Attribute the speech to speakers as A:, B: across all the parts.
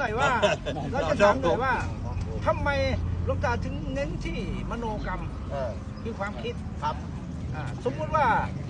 A: อยว่าเราจะถามหน่อยว่าทำไมหลวงตาถึงเน้นที่มโนกรรมคือความคิดครับสมมุติว่า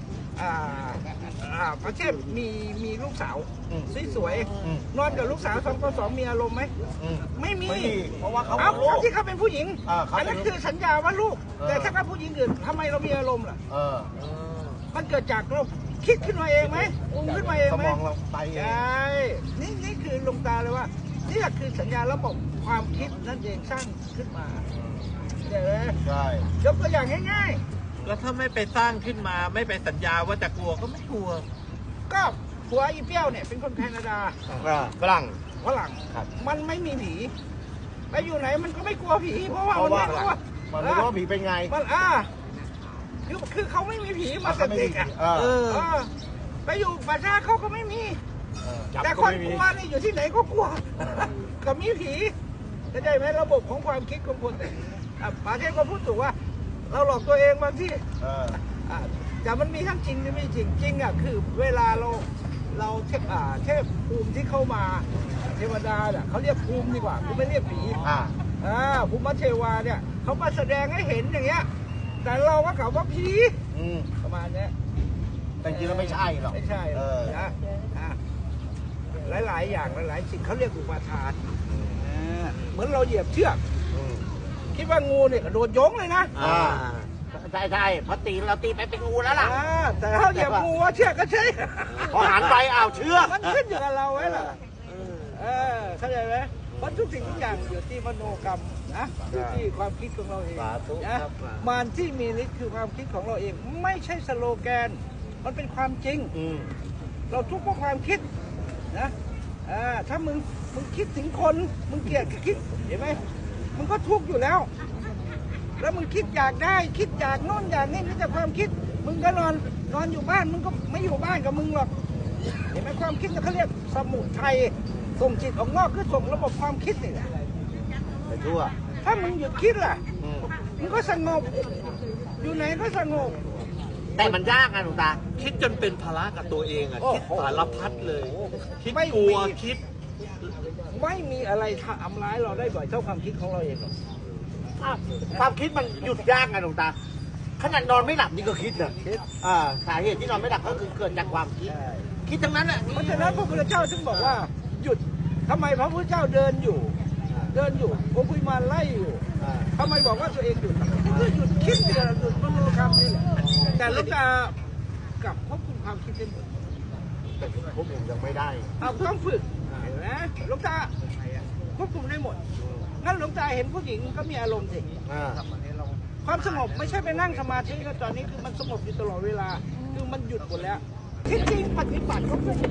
A: ประเทศมีลูกสาวสวยๆนอนกับลูกสาว2 มีอารมณ์ไหมไม่มีเพราะว่าเขาที่เขาเป็นผู้หญิงอันนั้นคือสัญญาว่าลูกแต่ถ้าเขาผู้หญิงอื่นทำไมเรามีอารมณ์ล่ะมันเกิดจากเราคิดขึ้นมาเองไหมอุ้มขึ้นมาเองไหมสมองเราไปใช่นี่คือหลวงตาเลยว่านี่คือสัญญาระบบความคิดนั่นเองสร้างขึ้นมาใช่ไหมใช่ยกตัวอย่างง่ายๆ
B: แล้วถ้าไม่ไปสร้างขึ้นมาไม่ไปสัญญาว่าจะกลัวก็ไม่กลัว
A: ก็ผัวอีเปี้ยวเนี่ยเป็นคนแคนาดา
C: ฝรั่ง
A: มันไม่มีผีไปอยู่ไหนมันก็ไม่กลัวผีเพราะว่ามันไม่กลัว
C: มันไม่รู้ว่าผีเป็นไง
A: มันคือเขาไม่มีผีมาเด็กไปอยู่ป่าช้าเขาก็ไม่มีแต่คนกลัวนี่อยู่ที่ไหนก็กลัวก็มีผีเข้าใจไหมระบบของความคิดของคนเนี่ยป่าเทพก็พูดถูกว่าเราหลอกตัวเองบางที่แต่มันมีทั้งจริงและไม่จริงจริงคือเวลาเราเทพภูมิที่เข้ามาเทวดาเนี่ยเขาเรียกภูมิดีกว่าเขาไม่เรียกผีภูมิเทวาเนี่ยเขามาแสดงให้เห็นอย่างเงี้ยแต่เราก็กล่าวว่าผีประมาณนี้
C: แต่จริงแล้วไม่ใช่หรอก
A: ไม่ใช่นะหลายอย่างหลายสิ่งเขาเรียกอุปาทานเหมือนเราเหยียบเชือกคิดว่างูเนี่ยกระโดดยงเลยนะ
C: ใช่พอตีเราตีไปเป็นงูแล้วล่ะ
A: แต่เขาเหยียบงูเชือกก็ใช่
C: พอหันไปเชือก
A: มันขึ้นอยู่กับเราไว้ล่ะเข้าใจไหมเพราะทุกสิ่งทุกอย่างอยู่ที่มโนกรรมนะอยู่ที่ความคิดของเราเองนะมันที่มีฤทธิ์คือความคิดของเราเองไม่ใช่สโลแกนมันเป็นความจริงเราทุกข์เพราะความคิดนะถ้ามึงคิดถึงคนมึงเกลียดคิดเห็นไหมมึงก็ทุกข์อยู่แล้วแล้วมึงคิดอยากได้คิดอยากโน่นอยากนี่นี่แต่ความคิดมึงก็นอนอยู่บ้านมึงก็ไม่อยู่บ้านกับมึงหรอกเห็นไหมความคิดเขาเรียกสมุทัยส่งจิตออกนอกคือส่งระบบความคิดนี่แหละ
C: ไปทั่ว
A: ถ้ามึงหยุดคิดล่ะมึงก็สงบอยู่ไหนก็สงบ
C: แต่มันยากนะหลวงตา
B: คิดจนเป็นภาระกับตัวเองคิดสารพัดเลยคิดกลัวคิด
A: ไม่มีอะไรทำร้ายเราได้บ่อยเท่าความคิดของเราเองหรอก
C: ความคิดมันหยุดยากไงหลวงตาขนาดนอนไม่หลับนี่ก็คิดนะสาเหตุที่นอนไม่หลับก็คือเกิดจากความคิดทั้งนั้นแหละ
A: เพราะฉะนั้นพระพุทธเจ้าจึงบอกว่าหยุดทำไมพระพุทธเจ้าเดินอยู่องคุยมาไล่อยู่ทำไมบอกว่าตัวเองหยุดคือหยุดคิดหยุดมโนกรรมนี่แหละแต่หลวงตากลับควบคุมความคิดได้หมด
C: แต่ผมยังไม่ได้
A: ต้องฝึกเห็นไหมหลวงตาควบคุมได้หมดงั้นหลวงตาเห็นผู้หญิงก็มีอารมณ์สิความสงบไม่ใช่ไปนั่งสมาธิก็ตอนนี้คือมันสงบอยู่ตลอดเวลาคือมันหยุดหมดแล้วที่จริงปฏิบัติก็เพื่อ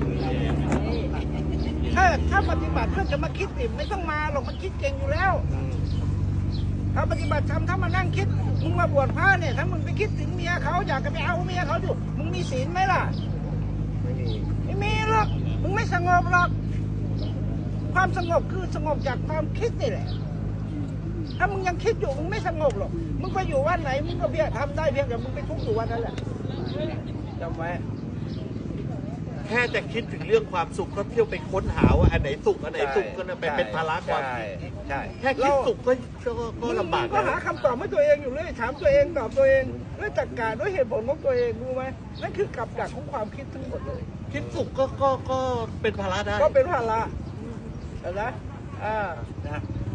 A: ถ้าปฏิบัติเพื่อจะมาคิดติไม่ต้องมาหรอกมันคิดเก่งอยู่แล้วถ้าปฏิบัติทำถ้ามานั่งคิดมึงมาบวชพระเนี่ยถ้ามึงไปคิดถึงเมียเขาอยากจะไปเอาเมียเขาอยู่มึงมีศีลไหมล่ะไม่มีหรอกมึงไม่สงบหรอกความสงบคือสงบจากความคิดนี่แหละถ้ามึงยังคิดอยู่มึงไม่สงบหรอกมึงไปอยู่วันไหนมึงก็เพียงทำได้เพียงแต่มึงไปทุกข์อยู่วันนั้นแหละจำไว้
B: แค่จะคิดถึงเรื่องความสุขก็เที่ยวไปค้นหาว่าอันไหนสุขอันไหนทุกข์ก็เป็นภาระความคิดแค่คิดสุขก็ลำบาก
A: ก็หาคำตอบให้ตัวเองอยู่เลยถามตัวเองตอบตัวเองด้วยตรรกะด้วยเหตุผลของตัวเองรู้ไหมนั่นคือกับดักของความคิดทั้งหมดเลย
B: คิดสุขก็เป็นภาระได้
A: ก็เป็นภาระนะ